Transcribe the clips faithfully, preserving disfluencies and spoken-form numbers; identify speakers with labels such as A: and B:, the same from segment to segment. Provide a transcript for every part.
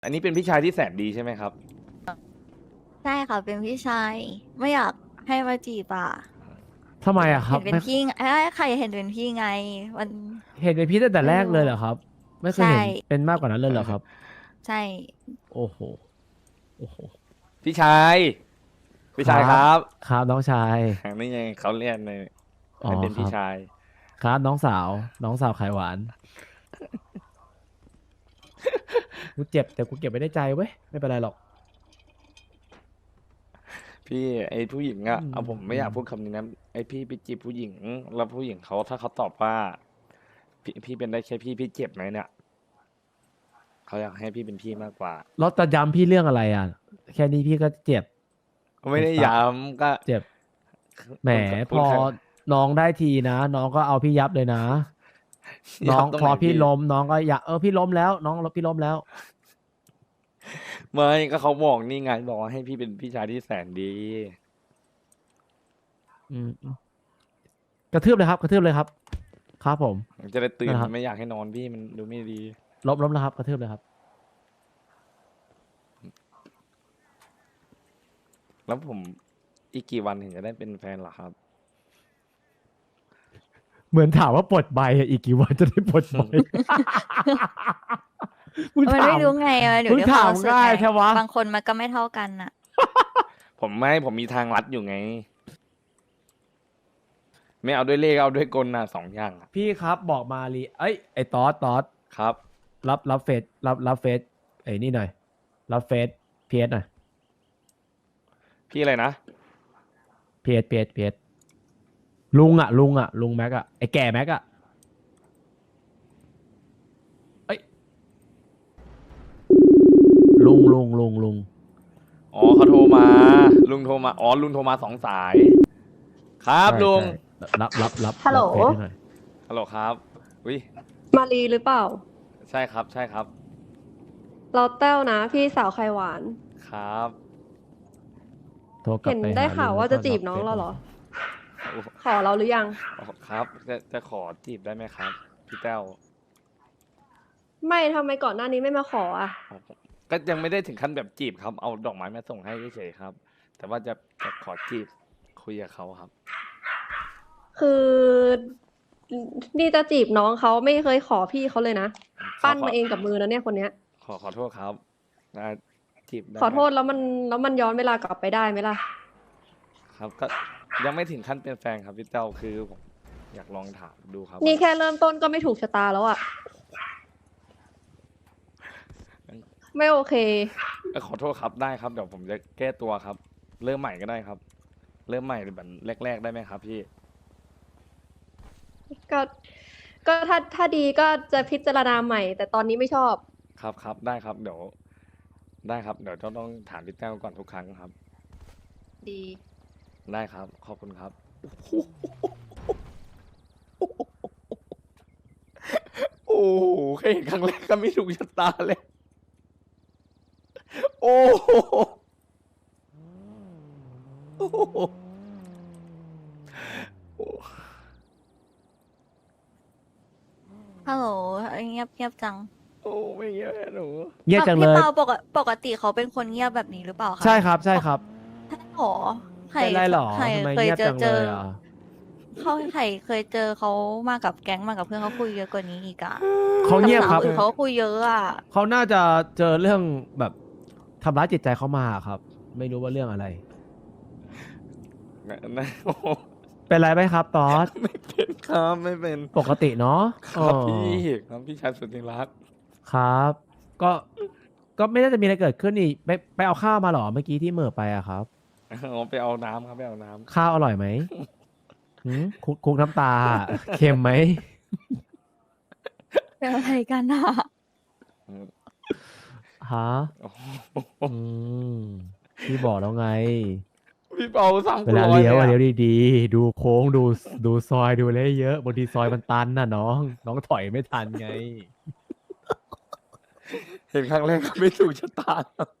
A: อันนี้เป็นพี่ชายที่แสนดีใช่ไหมครับ
B: ใช่ค่ะเป็นพี่ชายไม่อยากให้มาจีบอ่ะ
C: ทำไมอะครั
B: เห็
C: บ
B: นเป็น
C: ไม่
B: พี่ไงเอ้ยใครเห็นเป็นพี่ไงมัน
C: เห็นเป็นพี่ตั้งแต่แรกเลยเหรอ
B: ไม่รู้
C: ครับ ไม่เคย
B: ใช่
C: เห็นเป็นมากกว่านั้นเลยเหรอครับ
B: ใช่
C: โอ้โหโอ้โห
A: พี่ชายพี่ชายครับ
C: ครับน้องชาย
A: นี่ไงเขาเรียกใน
C: อ๋อ
A: ให้เป็นพี่
C: ครับ
A: ชาย
C: ครับน้องสาว น้องสาวไขหวาน กูเจ็บแต่กูเก็บไว้ในใจเว้ยไม่เป็นไรหรอก
A: พี่ไอ้ผู้หญิงอะ
C: อืม
A: เอาผมไม่อยากพูดคำนี้นะไอ้พี่ไปจีบผู้หญิง แล้วผู้หญิงเขาถ้าเขาตอบว่าพี่พี่เป็นได้แค่พี่พี่เจ็บไหมเนี่ยเขาอยากให้พี่เป็นพี่มากกว่า
C: แล้วจะย้ำพี่เรื่องอะไรอ่ะ แค่นี้พี่ก็เจ็บ
A: ไม่ได้ย้ำก็
C: เจ็บ แหม
A: พู
C: พ
A: ด
C: อ
A: แค่
C: น้องได้ทีนะ น้องก็เอาพี่ยับเลยนะ น้อง
A: ยับตรง
C: พอ
A: ไหน
C: พี่
A: พี่
C: ล้มน้องก็อยากเออพี่ล้มแล้ว น้องพี่ล้มแล้ว
A: ไม่ก็เขาบอกนี่ไงบอกว่าให้พี่เป็นพี่ชายที่แสนดี
C: อืมอืมกระทืบเลยครับ กระทืบเลยครับ ครับผม
A: จะได้ตื่น
C: นะครับ
A: ไม่อยากให้นอนพี่มันดูไม่ดี
C: ลบลบแล้วครับ กระทืบเลยครับ
A: แล้วผมอีกกี่วันถึงจะได้เป็นแฟนเหรอครับ
C: เหมือนถามว่าปลดใบอะอีกกี่วันจะได้ปลดใบ มึง
B: มัน
C: ถา
B: ไม่
C: ม
B: รู้ไงอะเดี๋ยว
C: มึง
B: เดี๋ยวความ
C: ถาม
B: รู้สึก
C: ง่าย
B: ไง
C: แค่วะ
B: บางคนมันก็ไม่เท่ากันอ่ะ
A: ผมไม่ผมมีทางลัดอยู่ไง ไม่เอาด้วยเลขเอาด้วยกลนะสองอย่างอะ
C: พี่ครับบอกมาลีเอ้ยไอ้ตอสตอส
A: ครับ
C: รับรับเฟซรับรับเฟซไอ้นี่หน่อย รับเฟซพีเอสหน่อย
A: พี่อะไรนะ
C: พีเอสพีเอสพีเอสลุงอะลุงอะลุงแม็กอะไอ้แก่แม็กอะเอ้ยลุงลุงลุงลุง
A: อ๋อเขาโทรมา ลุงโทรมา อ๋อลุงโทรมาสองสาย ครับ
C: ใช่
A: ลุง
C: ใช่รับรับรับ
D: ฮัลโหล
C: รับเฟซให้หน่อย
A: ฮัลโหลครับอุ้ย
D: มารีหรือเปล่า
A: ใช่ครับ ใช่ครับ
D: เราแต้วนะ พี่สาวไข่หวาน
A: ครับ
C: โทรกลับ
D: เห็น
C: ไป
D: ได้
C: หลุง
D: ข่าว
C: แล้
D: ว่า
C: ก็
D: จะจีบ
C: รับ
D: น้อง
C: ฟซ
D: เราเหรอ
A: โอ้
D: ขอเราหรือยัง
A: อ๋อครับ จะจะขอจีบได้ไหมครับ พี่แต้ว
D: ไม่ทำไมก่อนหน้านี้ไม่มาขออ่ะ
A: อ๋อก็ยังไม่ได้ถึงขั้นแบบจีบครับ เอาดอกไม้มาส่งให้เฉยๆครับ แต่ว่าจะจะขอจีบคุยกับเขาครับ
D: คือนี่จะจีบน้องเขาไม่เคยขอพี่เขาเลยนะ ปั้นมาเองกับมือนะเนี่ยคนเนี้ย
A: ขอขอโทษครับนะจีบได้
D: ขอโทษ
A: ไหม
D: แล้วมันแล้วมันย้อนเวลากลับไปได้ไหมล่ะ
A: ครับ ก็ยังไม่ถึงขั้นเป็นแฟนครับพี่เต้าคือผมอยากลองถามดูครับ
D: นี่
A: ว่า
D: แค่เริ่มต้นก็ไม่ถูกชะตาแล้วอ่ะ ไม่โอเค
A: เอ่อขอโทษครับได้ครับเดี๋ยวผมจะแก้ตัวครับ เริ่มใหม่ก็ได้ครับ เริ่มใหม่แบบแรก ๆ ได้ไหมครับพี่
D: ก็ ก็ถ้าถ้าดีก็จะพิจารณาใหม่ แต่ตอนนี้ไม่ชอบ
A: ครับครับได้ครับ เดี๋ยว ได้ครับ เดี๋ยวต้องต้องถามพี่แต้วก่อนทุกครั้งครับ
D: ดี
A: ได้ครับ ขอบคุณครับ โอ้โหแค่เห็นครั้งแรกก็ไม่ถูกชะตาเลย โอ้โหโอ้โห
B: ฮัลโหลเงียบเงียบจัง
A: โอ้ไม่เยอะหนู
C: เงียบจังเล
B: พี่
C: ย
B: เปาปกติปกติเขาเป็นคนเงียบแบบนี้หรือเปล่าคะ
C: ใช่ครับใช่ครับ
B: ใช่หรอใคร
C: เป็นไรหรอ
B: ใคร
C: ทำไม
B: เคย
C: เงียบ
B: เจอ
C: จัง
B: เจ
C: เล
B: อย
C: อ่ะ
B: เขาใครเคยเจอเขามากับแก๊งมากับเพื่อนเขาคุยเยอะกว่านี้อีกอะ
C: เขาเงียบครับ
B: กัสาวอื่นเขาก็คุยเยอะอะ
C: เขาน่าจะเจอเรื่องแบบทำร้ายจิตใจเขามาครับ ไม่รู้ว่าเรื่องอะไร
A: นะนะโอ้โห
C: เป็นไรไหมครับตอส
A: ไม่เป็นครับไม่เป็น
C: ปกติเนาะ
A: ครับ
C: อ๋อ
A: พี่ครับพี่ชายสุดที่รัก
C: ครับ ก็ ก็ไม่น่าจะมีอะไรเกิดขึ้นนี่ไปไปเอาข้าวมาเหรอเมื่อกี้ที่เหม่อไปอะครับ
A: เอาไปเอาน้ำครับไปเอาน้ำ
C: ข้าวอร่อยไหมหืมคุกคุกน้ำตา เค็มไหม
B: เป็นอะไรกันอะ
C: ฮะ
A: โอ้โห
C: อืมพี่บอกแล้วไง
A: พี่เปาสั่ง
C: เว
A: กู
C: ลา
A: ร้อย
C: เลี้ยวอะ
A: เล
C: เลี้ย
A: ยว
C: ดีๆ ดูโค้งดูดูซอยดูอะไรให้เยอะบางทีซอยมันตันน่ะน้อง น้องถอยไม่ทันไง
A: เห็นครั้งแรกก็ไม่ถูกชะตา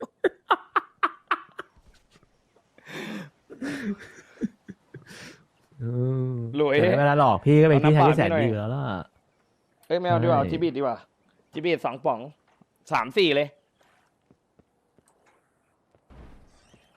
C: อืม
A: หลุย
C: แต่ไม่เป็นไรหรอกพี่ก็เป็น
A: เอา
C: พี่ชาย
A: น้ำ
C: ที่แสน
A: เปล่าให้หน่อย
C: ดีอยู่แล้วล่ะ
A: เอ้ยไม่เอาดีกว่าเอา
C: ใช่
A: จิบิดดีกว่าจิบิดสองป๋องสามสี่เลย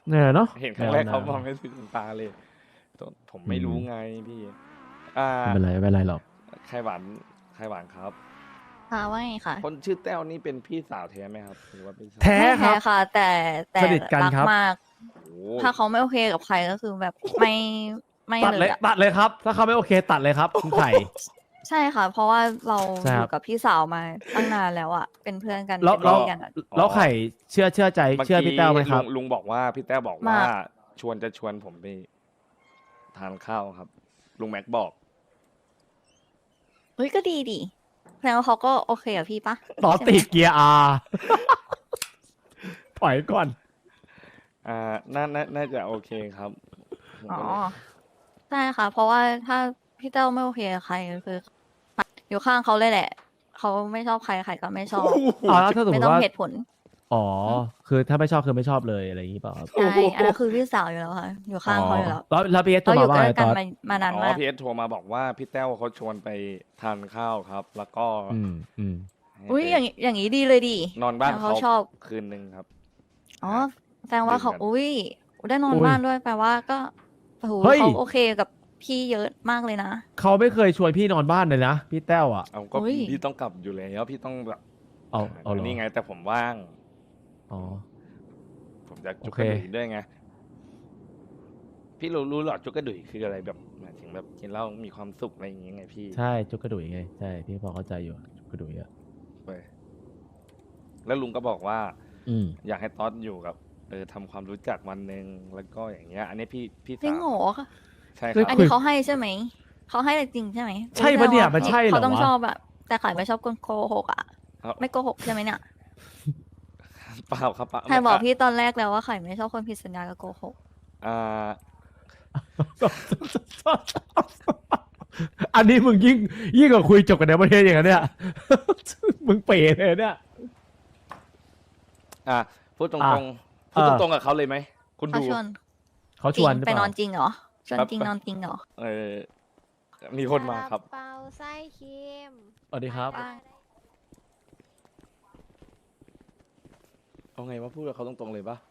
C: เนี่ยเนาะ
A: เห็นครั้งแรก
C: แนว
A: เขา
C: น้ำ
A: มองไม่ถึงตาเลยผมไม่รู้ไงพี่ อ่า
C: ไม่เป็นไรไม่เป็นไรหรอก
A: ไข่หวานไข่หวานครับ
B: ค่ะว่าไงคะ
A: คนชื่อแต้วนี่เป็นพี่สาวแท้ไหมครับหรือว่าเป็นสาว
C: แท้
B: ไม่
C: ครั
B: แท้
C: บ
B: ค่ะ แต่แต่
C: สนิทกัน
B: รัก
C: ครับ
B: มาก
A: โอ้
B: ถ้าเขาไม่โอเคกับใครก็คือแบบไม่ไม่
C: ตัด
B: เล
C: เลย
B: ยอะ
C: ตัดเลยครับ ถ้าเขาไม่โอเค ตัดเลยครับคุณไข่
B: ใช่ค่ะ เพราะว่าเรา
C: ใช่
B: อ
C: ครับ
B: ยู่กับพี่สาวมาตั้งนานแล้วอะเป็นเพื่อนกัน
C: แล้ว
B: เป็นพี่กันอะ
C: แล้วไข่เชื่อเชื่อใจ
A: เมื่อ
C: เชื่อ
A: กี้
C: พี่แต้วไหมครับ
A: ลุงลุงบอกว่าพี่แต้วบอก
B: มา
A: ว่า ชวนจะชวนผมไปทานข้าวครับ ลุงแม็กบอก
B: เฮ้ยก็ดีดิแสดงว่าเขาก็โอเคกับพี่ปะ
C: ต่อ
B: ใช่ไหม
C: ติดเกียร์อาถอยก่อน
A: อ่าน่าน่าน่าจะโอเคครับผม
B: อ๋อ
A: ก็เลย
B: ใช่ค่ะ เพราะว่าถ้าพี่เต้าไม่โอเคกับใครคืออยู่ข้างเขาเลยแหละเขาไม่ชอบใครใครก็ไม่ชอบ
C: อ๋อแล้วถ้าสมม
B: ไม่
C: ติ
B: ต้อง
C: ว่า
B: เหตุผล
C: อ๋อ คือถ้าไม่ชอบคือไม่ชอบเลยอะไรอย่างนี้เปล่าครับ
B: ใช่อันนั้นคือพี่สาวอยู่แล้วค่ะ อยู่ข้างเขาอยู่แล้ว
C: แล้วแล้วพี่เอสโทร
B: เราอยู่
C: มาว่า
B: ใกล้
C: ไง
B: กั
C: ต
B: น
C: อน
B: มามานาน
A: อ๋อ
B: มาก
A: พีเอสโทรมาบอกว่าพี่แต้วเขาชวนไปทานข้าวครับ แล้วก็
C: อืมอืม
A: ให้
B: อุ้ย
A: ไป
B: อย่างอย่างนี้ดีเลยดิ
A: นอนบ้าน
B: แล้ว
A: เขา
B: เขาชอบ
A: คืนหนึ่งครับ
B: อ๋อแสดงว่าเขา
A: ดื่มกัน
B: อุ้ยได้นอน
C: อุ้ย
B: บ้านด้วยแปลว่าก็โอ้โห
C: เฮ้ย
B: เขาโอเคกับพี่เยอะมากเลยนะ
C: เขาไม่เคยชวนพี่นอนบ้านเลยนะ พี่แต้วอ่ะ
A: เอาก็
B: อุ๊ย
A: พี่ต้องกลับอยู่แล้วพี่ต้องแบบ
C: เอาเอาเหรอ
A: นี่ไงแต่ผมว่าง
C: อ๋อ
A: ผมจะจุก
C: โอก เค
A: ระดุยด้วยไง พี่รู้รู้หรอจุกกระดุยคืออะไรแบบหมายถึงแบบกินเหล้ามีความสุขอะไรอย่างเงี้ยไงพี่
C: ใช่จุกกระดุยไง ใช่ พี่พอเข้าใจอยู่จุกกระดุยอ่ะ
A: ไปแล้วลุงก็บอกว่า
C: อืม
A: อยากให้ต๊อดอยู่กับเออทำความรู้จักวันหนึ่งแล้วก็อย่างเงี้ย อันนี้พี่พี่
B: จริง
A: สาว
B: โหรอ
A: ใช่ค
C: เฮ้ย
A: รับ
B: อันนี้เขาให้ใช่ไหม เขาให้จริงใช่ไหม
C: ใช่ปะเนี่ยมันใช่เหรอ
B: เขาต้อง
C: วะ
B: ชอบแบบแต่ขายไม่ชอบคนโกหกอ่ะ
A: ครับ
B: ไม่โกหกใช่ไหมเนี่ย
A: เปล่าครับเปล่า
B: ใครบอกพี่ตอนแรกแล้วว่าขายไม่ชอบคนผิดสัญญากับโกหก
A: อ่า
C: อันนี้มึงยิ่งยิ่งกว่าคุยจบกันในประเทศอย่างนั้นเนี่ย มึงเป๋เลยเนี่ย
A: อ่าพูดตร
C: อ่ะ
A: งๆพูด
C: เออ
A: ตรงๆกับเขาเลยไหมคุณ
B: เขา
A: ดู
B: ชวน
C: เขา
B: จ
C: ช
B: ริ
C: วน
B: ง
C: หรือ
B: ไป
C: เป
B: นอ
C: ล่า
B: นจริงเหรอชวน
A: ครับ
B: จริงนอนจริงเหรอ
A: เออมีคนมาครับ
E: ซลเปาไส้เค็ม
C: สวัสดีครับ
B: ว่า
A: เอาไงว่าพูดกับเขาตรงๆเลยปะ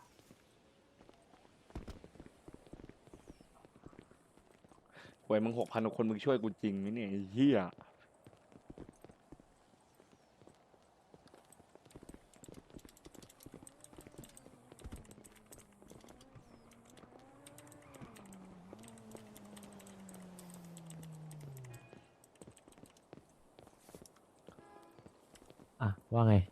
A: หวยมึงหกพันคนมึงช่วยกูจริงไหมเนี่ยไอ้เฮีย
C: อ่ะ ว่าไง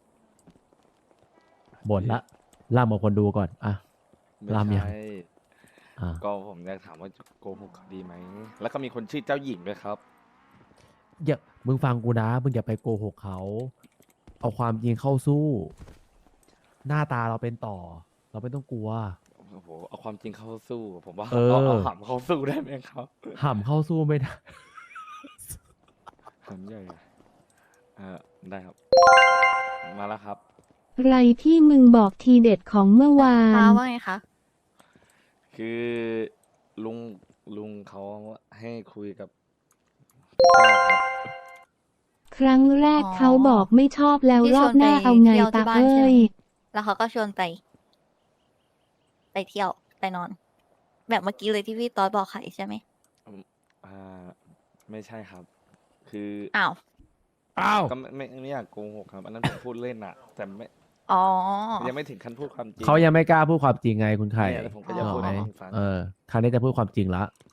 C: บ่นละล่ามกับคนดูก่อน อ่ะ
A: ไม่
C: รามยัง
A: ใช่
C: อ่ะ
A: ก็ผมอยากถามว่าโกหกเขาดีไหม แล้วก็มีคนชื่อเจ้าหญิงด้วยครับ
C: อย่ามึงฟังกูนะ มึงอย่าไปโกหกเขา เอาความจริงเข้าสู้ หน้าตาเราเป็นต่อ เราไม่ต้องกลัว
A: โอ้โห เอาความจริงเข้าสู้ ผมว่า
C: เออ
A: เอาเอาหำเข้าสู้ได้ไหมครับ
C: ห่ำเข้าสู้ไม่ได้
A: หำใหญ่เออได้ครับ มาแล้วครับ
F: ไรที่มึงบอกทีเด็ดของเมื่อวา
B: ฟ้าน ว่าไงคะ
A: คือลุงลุงเขาให้คุยกับเจ้าครับ
F: ครั้งแรก
B: อ๋อ
F: เขาบอกไม่ชอบแล้ว
B: ที่
F: ร
B: ช
F: อ
B: วน
F: บหน้า
B: ไป
F: เอาไง
B: เที่ยวที่
F: ตา
B: บ้านใช่
F: เอ้
B: ไหม
F: ย
B: แล้วเขาก็ชวนไป ไปเที่ยวไปนอน แบบเมื่อกี้เลยที่พี่ตอดบอกไข่ใช่ไหม
A: อ่า ไม่ใช่ครับ คือ
B: อ้าว
C: อ้าว
A: ก็ไม่ไม่ไม่อยากโกหกครับ อันนั้นผมพูดเล่นอะแต่ไม่
B: อ๋อ
A: ยังไม่ถึงขั้นพูดความจริง
C: เขายังไม่กล้าพูดความจริงไงคุณไข่
A: เนี่ยแล้วผมก็จะ
C: นึ
A: พูด
C: ออกไหม
A: ให้ฟัง
C: เออ คราวนี้จะพูดความจริงละ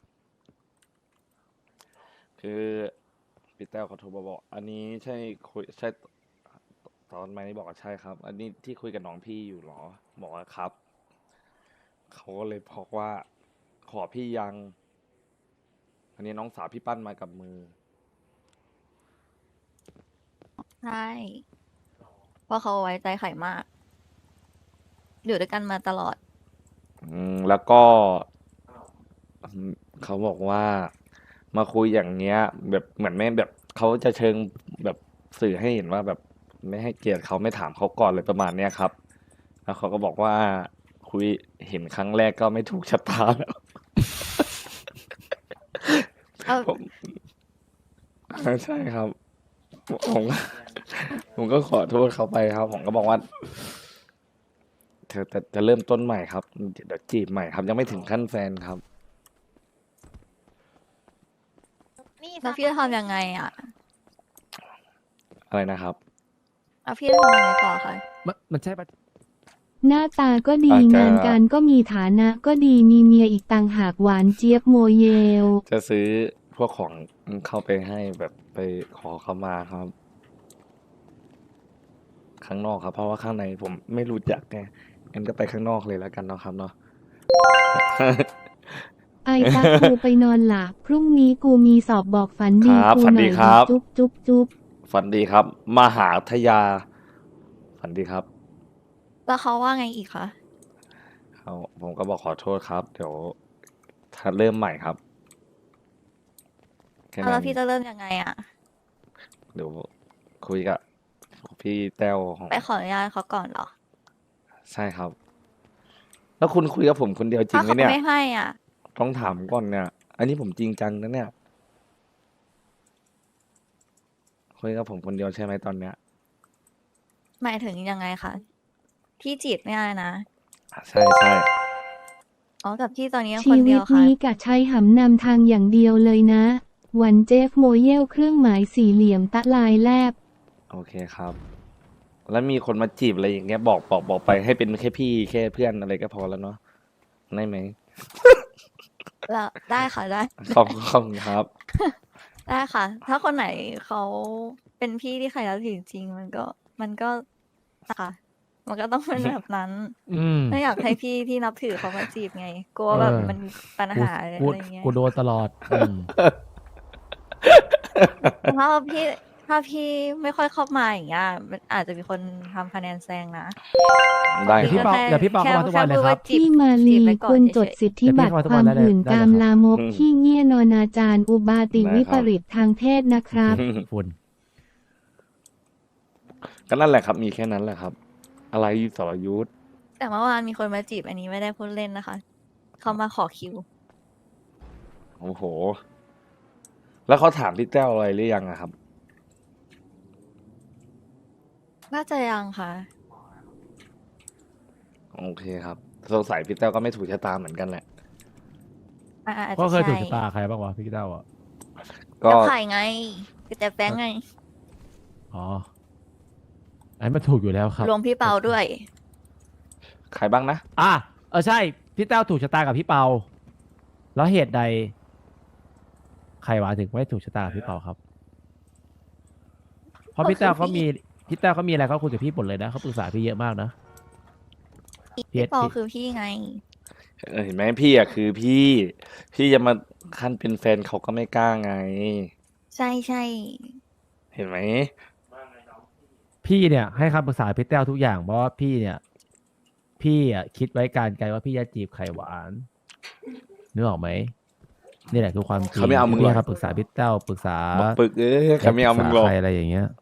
A: คือพี่แต้วเขาโทรมาบอก อันนี้ใช่คุยใช่ตอนไหมบอกว่าใช่ครับ อันนี้ที่คุยกับน้องพี่อยู่เหรอ บอกว่าครับ เขาก็เลยบอกว่า ขอพี่ยัง อันนี้น้องสาวพี่ปั้นมากับมือ
B: ใช่ เพราะเขาไว้ใจไข่มาก อยู่ด้วยกันมาตลอด
A: อืมแล้วก็อืมเขาบอกว่ามาคุยอย่างเงี้ย แบบเหมือนไม่แบบเขาจะเชิงแบบสื่อให้เห็นว่าแบบไม่ให้เกียรติเขาไม่ถามเขาก่อนเลยประมาณเนี้ยครับ แล้วเขาก็บอกว่าคุยเห็นครั้งแรกก็ไม่ถูกชะตาแล้ว
B: เอ้า
A: ผมใช่ครับ ผมก็ผมก็ขอโทษเขาไปครับ ผมก็บอกว่า เธจะจะจะเริ่มต้นใหม่ครับเดี๋ยวจีบใหม่ครับ ยังไม่ถึงขั้นแฟนครับ
E: นี่
B: แล้วพี่จะทำยังไงอ่ะ
A: อะไรนะครับ
B: แล้วพี่จะทำยังไงต่อคะ
C: มันมันใช่ปะ
F: หน้าตาก็ดี
A: อาจจะ
F: งานการก็มีฐานะก็ดีมีเมียอีกต่างหากหวานเจี๊ยบโมเยล
A: จะซื้อพวกของเข้าไปให้แบบไปขอเขามาครับ ข้างนอกครับ เพราะว่าข้างในผมไม่รู้จักไงงั้นก็ไปข้างนอกเลยแล้วกันเนาะครับเนาะ
F: ไอตากูไปนอนหลับพรุ่งนี้กูมีสอบบอกฝันดี
A: ครับ
F: กู
A: ฝัน
F: หน่
A: ดี
F: อย
A: ครับ
F: จุ๊บจุ๊บจุ๊บ
A: ฝันดีครับ มหาทยา ฝันดีครับ
B: แล้วเขาว่าไงอีกคะ
A: เขาผมก็บอกขอโทษครับ เดี๋ยวถ้าเริ่มใหม่ครับแค่
B: แล้ว
A: นั้น
B: พี่จะเริ่มยังไงอ่ะ
A: เดี๋ยวคุยกับพี่แต้วของ
B: ไปขออนุญาตเขาก่อนเหรอ
A: ใช่ครับ แล้วคุณคุยกับผมคนเดียวจริ
B: ถ้าง
A: ไหม
B: เขา
A: เนี่ย
B: ไม่ให้อ่ะ
A: ต้องถามก่อนเนี่ย อันนี้ผมจริงจังนะเนี่ยคุยกับผมคนเดียวใช่ไหมตอนเนี้ย
B: หมายถึงยังไงคะพี่จีบไม่ได้นะ
A: อ่ะใช่ใช่
B: อ๋อกับพี่ตอนนี้ยังค
F: ชี
B: นเดี
F: วิ
B: ย
F: ต
B: วค่ะ
F: นี้กะใช้หำนำทางอย่างเดียวเลยนะ วันเจฟโมเยลเครื่องหมายสี่เหลี่ยมตะลายแลบ
A: โอเคครับ แล้วมีคนมาจีบอะไรอย่างเงี้ยบอกบอกบอกไปให้เป็นแค่พี่แค่เพื่อนอะไรก็พอแล้วเนาะได้ไหม
B: แล้วได้ค่ะได้
A: ขอบขอบคุณครับ
B: ได้ค่ะ ถ้าคนไหนเขาเป็นพี่ที่ใครแล้วถือจริงๆมันก็ มันก็ค่ะ มันก็ต้องเป็นแบบนั้น
C: อืม
B: ไม่อยากให้พี่ที่นับถือเขามาจีบไง กลัวแบบ
C: เออ
B: มันมีปัญ
C: กู
B: หาอะไร
C: กู
B: เงี้ย
C: กูโดนตลอดอืม
B: ถ้าพี่ถ้าพี่ไม่ค่อยเข้ามาอย่างเงี้ยมันอาจจะมีคนทำคะแนนแซงนะ
A: ได้
C: เดี๋ยวพี่
A: ครับ
C: เปาเดี๋ยวพี่เปาเข้ามาทุกวันเลยครับ
B: แพูดาจี
F: ที่มาลี
B: จีบไว้ก่อ
F: คุ
B: น
F: ณ
B: เฉ
F: จ
B: ย
F: ด
B: ๆ
F: สิทธิบัตร
C: เดี๋ยวพี่ขอโทษ
F: ความ
C: ได้เลย
F: หื่น
C: ได้เลย
F: กาม
C: ครับ
F: ลามก
A: อืม
F: ขี้เงี่ยนอนาจารอุบาติ
A: ได้
F: วิ
A: ค
F: ป
A: รับ
F: ริตทางเพศนะครับ
C: ฝุ่น
A: ก็นั่นแหละครับ มีแค่นั้นแหละครับ อะไรสรยุทธ
B: แต่เมื่อวานมีคนมาจีบอันนี้ไม่ได้พูดเล่นนะคะ เขามาขอคิว
A: โอ้โห แล้วเขาถามพี่แต้วอะไรหรือยังอะครับ
B: น่าจะยังค่ะ
A: โอเคครับสงสัยพี่แต้วก็ไม่ถูกชะตาเหมือนกันแหละ
B: อ่าอาจ
C: ก็
B: จะ
C: เคยถูก
B: ใช่
C: ชะตาใครบ้างวะพี่เต้าอ่ะ
A: ก็
B: จะไข่ไงแต่แป้งไง
C: อ๋ออันนี้มันถูกอยู่แล้วครับ
B: รวมพี่เปาด้วย
A: ใครบ้างนะ
C: อ่ะเออใช่ พี่เต้าถูกชะตากับพี่เปา แล้วเหตุใด ใครวะถึงไม่ถูกชะตากับพี่เปาครับ เพราะพี่เต้าเขามีพี่เต้าเขามีอะไรเขาคุยกับพี่หมดเลยนะเขาปรึกษาพี่เยอะมากนะ
B: พี่เปา
C: พี่
B: คือพี่ไง
A: เออเห็นไหมพี่อะคือพี่ พี่จะมาขั้นเป็นแฟนเขาก็ไม่กล้าไง
B: ใช่ใช่
A: เห็นไหม
C: พี่เนี่ยให้คำปรึกษาพี่เต้าทุกอย่างเพราะว่าพี่เนี่ย พี่อ่ะคิดไว้การไกลว่าพี่จะจีบไข่หวานนึกออกไหมนี่แหละคือความจริง
A: เขาไม่เอามึงหรอก
C: พี่ให้คำปรึกษาพี่เต้าปรึกษา
A: บอกปึกเอ้ยเขาไม่เอามึงหรอก
C: ปรึษใครอะไรอย่างเงี้ย